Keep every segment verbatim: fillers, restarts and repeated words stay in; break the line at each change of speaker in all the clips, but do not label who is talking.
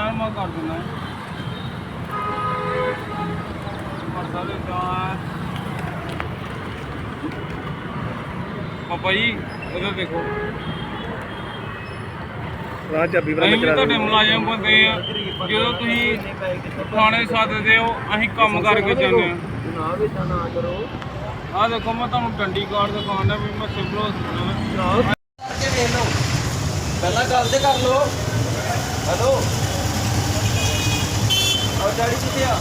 यार मैं कर दूंगा परसा दे पापा जी उधर देखो
ਰਾਹ ਚਾਬੀ ਵਾਲਾ
ਅਸੀਂ ਵੀ
ਚਲਾ
ਤੁਹਾਡੇ ਮੁਲਾਜ਼ਮ ਬੰਦੇ ਆ ਜਦੋਂ ਤੁਸੀਂ ਥਾਣੇ ਸੱਦਦੇ ਹੋ ਅਸੀਂ ਕੰਮ ਕਰਕੇ ਜਾਂਦੇ ਆ
ਜਨਾਬ ਇਦਾਂ ਨਾ ਕਰੋ।
ਆਹ ਦੇਖੋ ਮੈਂ ਤੁਹਾਨੂੰ ਡੰਡੀ ਕਾਰਡ ਦਿਖਾਉਂਦਾ ਵੀ ਮੈਂ ਸਿਵਲ ਹਸਪਤਾਲ
ਕੇ ਵੇਖ ਲਓ ਪਹਿਲਾਂ ਗੱਲ ਤੇ ਕਰ ਲਓ। ਹੈਲੋ ਆਹ ਡੈਡੀ ਕਿੱਥੇ ਆ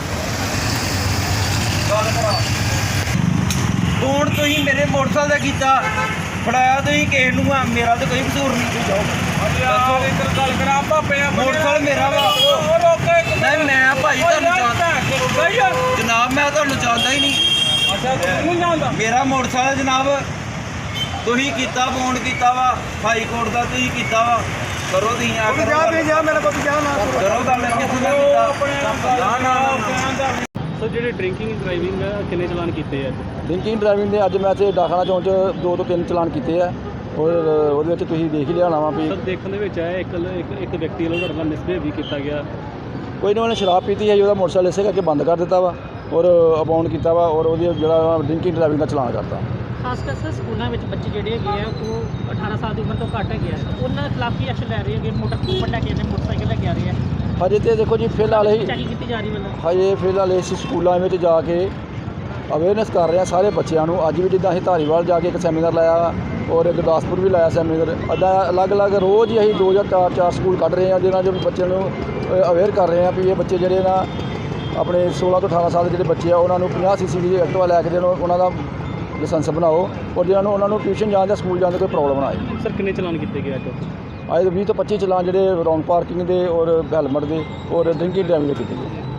ਗੱਲ ਕਰਾ ਫੋਨ ਤੁਸੀਂ ਮੇਰੇ ਮੋਟਰਸਾਈਕਲ ਦਾ ਕੀਤਾ ਫੜਾਇਆ ਤੁਸੀਂ ਕਿਸੇ ਨੂੰ ਆ ਮੇਰਾ ਤਾਂ ਕੋਈ ਕਸੂਰ ਨਹੀਂ ਤੁਸੀਂ ਜਾਓ
ਯਾਰ ਇੱਧਰ ਗੱਲ ਕਰਾਂ ਭਾਪੇ ਆ
ਮੋਟਰਸਾਈਕਲ ਮੇਰਾ ਵਾ
ਉਹ ਰੋਕੇ
ਨਹੀਂ ਮੈਂ ਭਾਈ ਤੁਹਾਨੂੰ ਜਾਣਦਾ ਜਨਾਬ ਮੈਂ ਤੁਹਾਨੂੰ ਜਾਣਦਾ ਹੀ ਨਹੀਂ
ਅੱਛਾ ਤੂੰ ਜਾਣਦਾ
ਮੇਰਾ ਮੋਟਰਸਾਈਕਲ ਜਨਾਬ ਤੁਸੀਂ ਕੀਤਾ ਫੋਨ ਕੀਤਾ ਵਾ ਹਾਈ ਕੋਰਟ ਦਾ ਤੁਸੀਂ ਕੀਤਾ ਵਾ ਕਰੋ ਤੁਸੀਂ ਆ ਕਰੋ ਜਾ ਵੀ ਜਾ ਮੇਰਾ ਪੁੱਤ ਜਾ ਨਾ ਕਰੋ ਗੱਲ ਕਿਸੇ ਦਾ ਕੀਤਾ ਨਾ ਨਾ ਨਾ
ਸਰ ਜਿਹੜੇ ਡਰਿੰਕਿੰਗ ਡਰਾਈਵਿੰਗ ਕਿੰਨੇ ਚਲਾਨ ਕੀਤੇ ਆ
ਡਰਿੰਕਿੰਗ ਡਰਾਈਵਿੰਗ ਦੇ ਅੱਜ ਮੈਂ ਤੇ ਡਾਖਾਨਾ ਚੌਂਕ 'ਚ ਦੋ ਤੋਂ ਤਿੰਨ ਚਲਾਨ ਕੀਤੇ ਆ ਔਰ ਉਹਦੇ ਵਿੱਚ ਤੁਸੀਂ ਦੇਖ ਹੀ ਲਿਆ ਹੋਣਾ ਵਾ ਵੀ
ਸਰ ਦੇਖਣ ਦੇ ਵਿੱਚ ਆਇਆ ਇੱਕ ਇੱਕ ਇੱਕ ਵਿਅਕਤੀ ਵੱਲੋਂ ਤੁਹਾਡੇ ਨਾਲ ਮਿਸਬਿਹੇਵ ਵੀ ਕੀਤਾ ਗਿਆ
ਕੋਈ ਨਾ ਉਹਨੇ ਸ਼ਰਾਬ ਪੀਤੀ ਹੈ ਜੀ ਉਹਦਾ ਮੋਟਰਸਾਈਕਲ ਇਸੇ ਕਰਕੇ ਬੰਦ ਕਰ ਦਿੱਤਾ ਵਾ ਔਰ ਅਬਾਉਂਡ ਕੀਤਾ ਵਾ ਔਰ ਉਹਦੀ ਜਿਹੜਾ ਡਰਿੰਕਿੰਗ ਡਰਾਈਵਿੰਗ ਦਾ ਚਲਾਨ ਕਰਤਾ
ਖਾਸ ਕਰ ਸਰ ਸਕੂਲਾਂ ਵਿੱਚ ਬੱਚੇ ਜਿਹੜੇ ਹੈਗੇ ਆ ਉਹ ਅਠਾਰਾਂ ਸਾਲ ਦੀ ਉਮਰ ਤੋਂ ਘੱਟ ਹੈਗੇ ਆ ਉਹਨਾਂ ਦੇ ਖਿਲਾਫ ਕੀ ਐਕਸ਼ਨ ਲੈ ਰਹੇ ਹੈਗੇ ਮੋਟਰ ਉੱਪਰ ਲੈ ਕੇ ਨੇ ਮੋਟਰਸਾਈਕਲ ਲੈ ਕੇ ਆ ਰਹੇ ਆ
ਹਜੇ ਤੇ ਦੇਖੋ ਜੀ ਫਿਲਹਾਲ ਹੀ
ਚੈਕਿੰਗ ਕੀਤੀ ਜਾ ਰਹੀ ਵੱਲੋਂ
ਹਜੇ ਫਿਲਹਾਲ ਇਸ ਸਕੂਲਾਂ ਵਿੱਚ ਜਾ ਕੇ ਅਵੇਅਰਨੈਸ ਕਰ ਰਹੇ ਆ ਸਾਰੇ ਬੱਚਿਆਂ ਨੂੰ ਅੱਜ ਵੀ ਜਿੱਦਾਂ ਅਸੀਂ ਧਾਰੀਵਾਲ ਜਾ ਕੇ ਇੱਕ ਸੈਮੀਨਾਰ ਲਾਇਆ ਔਰ ਗੁਰਦਾਸਪੁਰ ਵੀ ਲਾਇਆ ਸੈਮੀਨਾਰ ਅੱਡਾ ਅਲੱਗ-ਅਲੱਗ ਰੋਜ਼ ਹੀ ਅਸੀਂ ਦੋ ਜਾਂ ਚਾਰ ਚਾਰ ਸਕੂਲ ਕੱਢ ਰਹੇ ਹਾਂ ਜਿਹਨਾਂ ਜੋ ਬੱਚਿਆਂ ਨੂੰ ਅਵੇਅਰ ਕਰ ਰਹੇ ਹਾਂ ਵੀ ਇਹ ਬੱਚੇ ਜਿਹੜੇ ਨਾ ਆਪਣੇ ਸੋਲਾਂ ਤੋਂ ਅਠਾਰਾਂ ਸਾਲ ਦੇ ਜਿਹੜੇ ਬੱਚੇ ਆ ਉਹਨਾਂ ਨੂੰ ਪੰਜਾਹ ਸੀ ਸੀ ਦੀ ਐਕਟਿਵਾ ਲੈ ਕੇ ਦੇਣ ਉਹਨਾਂ ਦਾ ਲਾਇਸੈਂਸ ਬਣਾਓ ਔਰ ਜਿਹਨਾਂ ਨੂੰ ਉਹਨਾਂ ਨੂੰ ਟਿਊਸ਼ਨ ਜਾਣ ਜਾਂ ਸਕੂਲ ਜਾਣ ਦੀ ਕੋਈ ਪ੍ਰੋਬਲਮ ਨਾ ਆਏ।
ਸਰ ਕਿੰਨੇ ਚਲਾਨ ਕੀਤੇ ਗਏ ਅੱਜ
ਅੱਜ ਵੀਹ ਤੋਂ ਪੱਚੀ ਚਲਾਨ ਜਿਹੜੇ ਰੌਂਗ ਪਾਰਕਿੰਗ ਦੇ ਔਰ ਹੈਲਮਟ ਦੇ ਔਰ ਡਰਿੰਕਿੰਗ ਡਰਾਈਵਿੰਗ ਦੇ ਕੀਤੇ ਗਏ।